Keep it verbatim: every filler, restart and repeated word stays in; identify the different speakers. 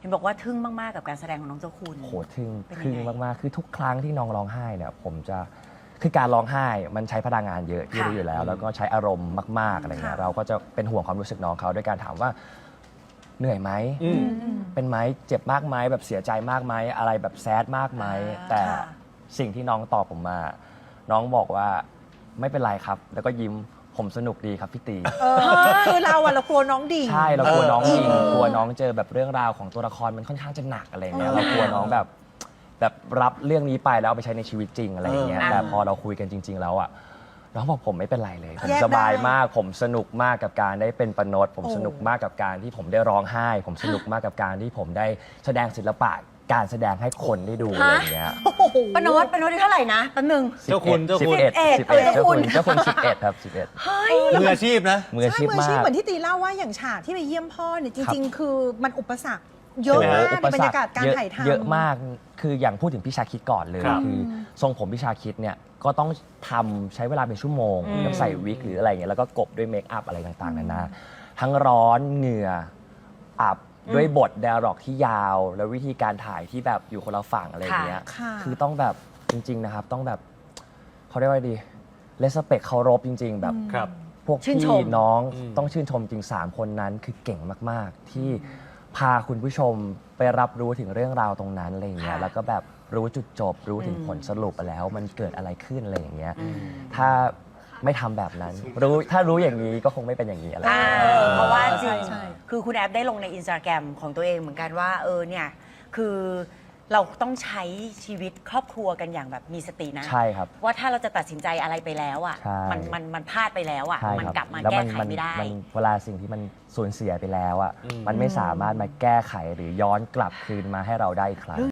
Speaker 1: นบอกว่าทึ่งมากๆกับการแสดงของน้องเจ้าคุณ
Speaker 2: โหทึ่ง
Speaker 1: เป็นยังไง
Speaker 2: ทึ่งมากๆคือทุกครั้งที่น้องร้องไห้เนี่ยผมจะคือการร้องไห้มันใช้พลังงานเยอะที่รู้อยู่แล้ว แล้วก็ใช้อารมณ์มากๆอะไรเงี้ย
Speaker 1: ค่ะ
Speaker 2: เราก็จะเป็นห่วงความรู้สึกน้องเขาด้วยการถามว่าเหนื่อยไหม
Speaker 3: อืม
Speaker 2: เป็นไหมเจ็บมากไหมแบบเสียใจมากไหมอะไรแบบแซดมากไหม
Speaker 1: อ่า
Speaker 2: แต่
Speaker 1: ค่ะ
Speaker 2: สิ่งที่น้องตอบผมมา น้องบอกว่าไม่เป็นไรครับ แล้วก็ยิ้มผมสนุกดีครับพี่ตี
Speaker 4: เออคือเราอะเรากลัวน้องดิ่ง
Speaker 2: ใช่เรากลัวน้อง
Speaker 3: เออ
Speaker 2: ยิง
Speaker 3: เออ
Speaker 2: กลัวน้องเจอแบบเรื่องราวของตัวละครมันค่อนข้างจะหนักอะไรเงี้ย
Speaker 4: เออ
Speaker 2: เรากลัวน้องแบบแบบรับเรื่องนี้ไปแล้วเอาไปใช้ในชีวิตจริงอะไรอย่างเงี้ย
Speaker 1: เออ
Speaker 2: แต่พอเราคุยกันจริง ๆ แล้วอ่ะน้องบอกผมไม่เป็นไรเลย ผม
Speaker 4: แยกได้
Speaker 2: สบายมาก ผมสนุกมากกับการได้เป็นปนดผม
Speaker 4: โอ้
Speaker 2: สนุกมากกับการที่ผมได้ร้องไห้ ผมสนุกมากกับการที่ผมได้แสดงศิลปะการแสดงให้คนได้ดูอะไรอย่างเงี้ย
Speaker 4: โอ้โห
Speaker 1: ปานดปานดเท่าไหร่นะแป๊บนึง
Speaker 3: เจ้าคุณเจ้าคุณ
Speaker 2: สิบเอ็ด
Speaker 1: สิ
Speaker 2: สิ
Speaker 1: บบ เอ็
Speaker 2: เอ็
Speaker 1: ด
Speaker 2: ดเจ้าคุณเจ้าคุณสิบเอ็ดครับสิบเอ็ด
Speaker 1: เฮ้ย
Speaker 3: มืออาชีพนะ
Speaker 2: มืออาชีพ
Speaker 4: ใช่มืออา
Speaker 2: มา
Speaker 4: ชีพ
Speaker 2: ก
Speaker 4: เหมือนที่ตีเล่าว่าอย่างฉากที่ไปเยี่ยมพ่อเนี่ยจ
Speaker 2: ครับ
Speaker 4: ริง ๆ คือมันอุปสรรคเยอะ
Speaker 3: ใช่ไหม
Speaker 4: มาก
Speaker 2: อุ
Speaker 4: ใน
Speaker 2: ป
Speaker 4: บร
Speaker 2: ส
Speaker 4: ร
Speaker 2: ร
Speaker 4: ยากาศ
Speaker 2: รค
Speaker 4: การ
Speaker 2: เยอะ
Speaker 4: ถ่ายทำ
Speaker 2: เยอะมาก คืออย่างพูดถึงพี่ชาคิดก่อนเลย
Speaker 3: ครับ
Speaker 2: คือทรงผมพี่ชาคิดเนี่ยก็ต้องทำใช้เวลาเป็นชั่วโมง
Speaker 1: อืม
Speaker 2: แล้วใส่วิกหรืออะไรเงี้ยแล้วก็กบด้วยเมคอัพอะไรต่างๆนานาทั้งร้อนเหงื่ออับด้วยบท d ด a ร็อกที่ยาว แล้ววิธีการถ่ายที่แบบอยู่คนละฝั่งอะไรอย่างเงี้ย
Speaker 4: ค่ะ
Speaker 2: คือต้องแบบจริง ๆ นะครับ ต้องแบบเขาเรียกว่าดีเลสเปคเคารพจริง ๆ แบบ
Speaker 3: ครับ
Speaker 2: พวก
Speaker 1: ชื่น
Speaker 2: พี่
Speaker 1: ชม
Speaker 2: น้อง
Speaker 3: อืม
Speaker 2: ต้องชื่นชมจริง ๆ คนนั้นคือเก่งมาก ๆ ที่พาคุณผู้ชมไปรับรู้ถึงเรื่องราวตรงนั้นอะไรอย่างเงี้ย
Speaker 1: ค่ะ
Speaker 2: แล้วก็แบบรู้จุดจบ รู้ถึง
Speaker 1: อืม
Speaker 2: ผลสรุปแล้วมันเกิดอะไรขึ้นอะไรอย่างเงี้ย
Speaker 1: อืม
Speaker 2: ถ้าไม่ทำแบบนั้น รู้ถ้ารู้อย่างนี้ก็คงไม่เป็นอย่างนี้อะไรอย่าง
Speaker 1: อ่า
Speaker 2: เงี้ย
Speaker 1: เพราะว่าจ
Speaker 4: ใช่
Speaker 1: ริง
Speaker 4: ใช่
Speaker 1: คือคุณแอฟได้ลงในอินสตาแกรมของตัวเองเหมือนกันว่าเออเนี่ยคือเราต้องใช้ชีวิตครอบครัวกันอย่างแบบมีสตินะ
Speaker 2: ใช่ครับ
Speaker 1: ว่าถ้าเราจะตัดสินใจอะไรไปแล้วอ่ะ
Speaker 2: ใช่
Speaker 1: มันมันมันพลาดไปแล้วอ่ะ
Speaker 2: ใช่
Speaker 1: มัน
Speaker 2: ครับ
Speaker 1: กลับมา
Speaker 2: ล้ว
Speaker 1: แก้ไขไม่ได้
Speaker 2: มันเวลาสิ่งที่มันสูญเสียไปแล้วอ่ะ
Speaker 3: อืม
Speaker 2: มันไม่สามารถมาแก้ไขหรือย้อนกลับคืนมาให้เราได้อีกครั้ง